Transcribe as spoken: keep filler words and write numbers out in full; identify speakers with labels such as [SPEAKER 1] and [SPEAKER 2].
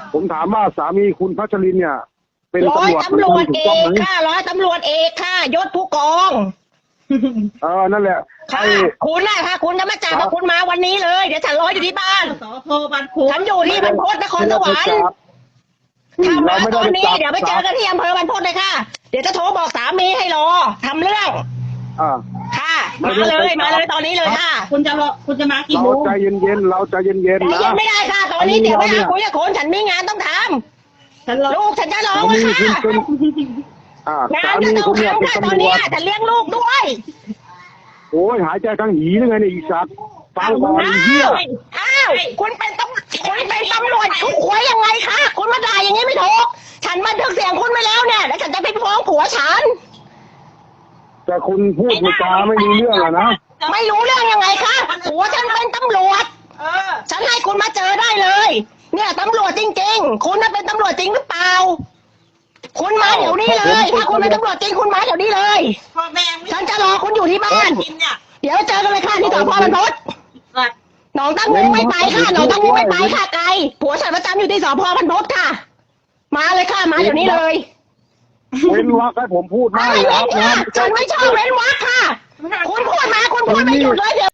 [SPEAKER 1] ผมถามว่าสามีคุณพัชรินเนี่ยเป็น
[SPEAKER 2] ร้อย
[SPEAKER 1] ตำรวจ
[SPEAKER 2] ตำรวจเอกค่ะร้อยตำรวจเอกค่ะยศผู้กอง
[SPEAKER 1] เออนั่นแหละ
[SPEAKER 2] ค่ะ
[SPEAKER 1] ไอ้
[SPEAKER 2] คุณน่ะค่ะคุณจะมาจับว่าคุณมาวันนี้เลยเดี๋ยวฉันรออยู่ที่บ้าน
[SPEAKER 3] สพบางพุง
[SPEAKER 2] ฉันอยู่ที่บรรพตนครสวรรค์ถ้า
[SPEAKER 1] เรา
[SPEAKER 2] มา
[SPEAKER 1] ไม่
[SPEAKER 2] ต
[SPEAKER 1] ได้
[SPEAKER 2] อน
[SPEAKER 1] ไป
[SPEAKER 2] นี้
[SPEAKER 1] จับ
[SPEAKER 2] เดี๋ยวไปเจอกันที่อำเภอบรรพตเลยค่ะเดี๋ยวจะโทรบอกสามีให้รอทำเรื่อง
[SPEAKER 1] อ่า
[SPEAKER 2] ค่ะมาเลยมาเลยตอนนี้เลยค่ะ
[SPEAKER 3] คุณจะรอคุณจะมากี่
[SPEAKER 1] เรา
[SPEAKER 3] โมง
[SPEAKER 1] ใจเย็นๆเราใจเย็น
[SPEAKER 2] ใจ
[SPEAKER 1] ๆนะ
[SPEAKER 2] เย็นไม่ได้ค่ะ ตอนนี้เดี๋ยวไปหาคุยกับคนฉันมีงานต้องท
[SPEAKER 3] ฉันรอ
[SPEAKER 2] ำลูกฉันจะร้อง
[SPEAKER 1] สา
[SPEAKER 2] เล
[SPEAKER 1] มี
[SPEAKER 2] ย
[SPEAKER 1] คุณ
[SPEAKER 2] ค่ะ
[SPEAKER 1] เป็นอ่าง
[SPEAKER 2] า
[SPEAKER 1] สาน
[SPEAKER 2] จะ
[SPEAKER 1] มี
[SPEAKER 2] ต้อง
[SPEAKER 1] คุณเนี่ยเป็น
[SPEAKER 2] ทำค่ะตอน
[SPEAKER 1] ตำร
[SPEAKER 2] นี้
[SPEAKER 1] วจ
[SPEAKER 2] ฉันเลี้ยงลูกด้วย
[SPEAKER 1] โอ้ยหายใจทั้งหีเลยไงเนี่ยอีสัตว์ฟังก่อนไอ้เหี้ย
[SPEAKER 2] อ้าวคุณเป็นตำคุณเป็นตำรวจคุณหวยยังไงคะคุณมาด่าอย่างนี้ไม่ถูกฉันบันทึกเสียงคุณไว้แล้วเนี่ยแล้วฉันจะไปฟ้องผัวฉัน
[SPEAKER 1] แต่คุณพูดจาไม่รู้เรื่องอะนะ
[SPEAKER 2] ไม่รู้เรื่องยังไงคะผัวฉันเป็นตำรวจ
[SPEAKER 3] เออ
[SPEAKER 2] ฉันให้คุณมาเจอได้เลย เนี่ยตำรวจจริงๆ คุณน่ะเป็นตำรวจจริงหรือเปล่า คุณมาเดี๋ยวนี้เลย ถ้าคุณเป็นตำรวจจริงคุณมาเดี๋ยวนี้เลย
[SPEAKER 3] พ่อแม่ไม่
[SPEAKER 2] ฉันจะรอคุณอยู่ที่บ้าน
[SPEAKER 3] กินเนี่ย
[SPEAKER 2] เดี๋ยวเจอกันเลยค่ะที่สพบรรพต
[SPEAKER 3] สัตว์
[SPEAKER 2] หนองตั้งงูไม่ไปค่ะหนองตั้งงูไม่ไปค่ะไกลผัวฉันประจำอยู่ที่สพบรรพตค่ะ มาเลยค่ะมาเดี๋ยวนี้เลย
[SPEAKER 1] เว้นวรรคให้ผมพูดได้
[SPEAKER 2] ไม่
[SPEAKER 1] ค
[SPEAKER 2] เว้
[SPEAKER 1] รับ
[SPEAKER 2] นค่ะ
[SPEAKER 1] นะ
[SPEAKER 2] ฉันไม่ชอบเว้นวรรคค่ะ คุณพูดมาคุณพูดไม่หยุดเลยเดี๋ยว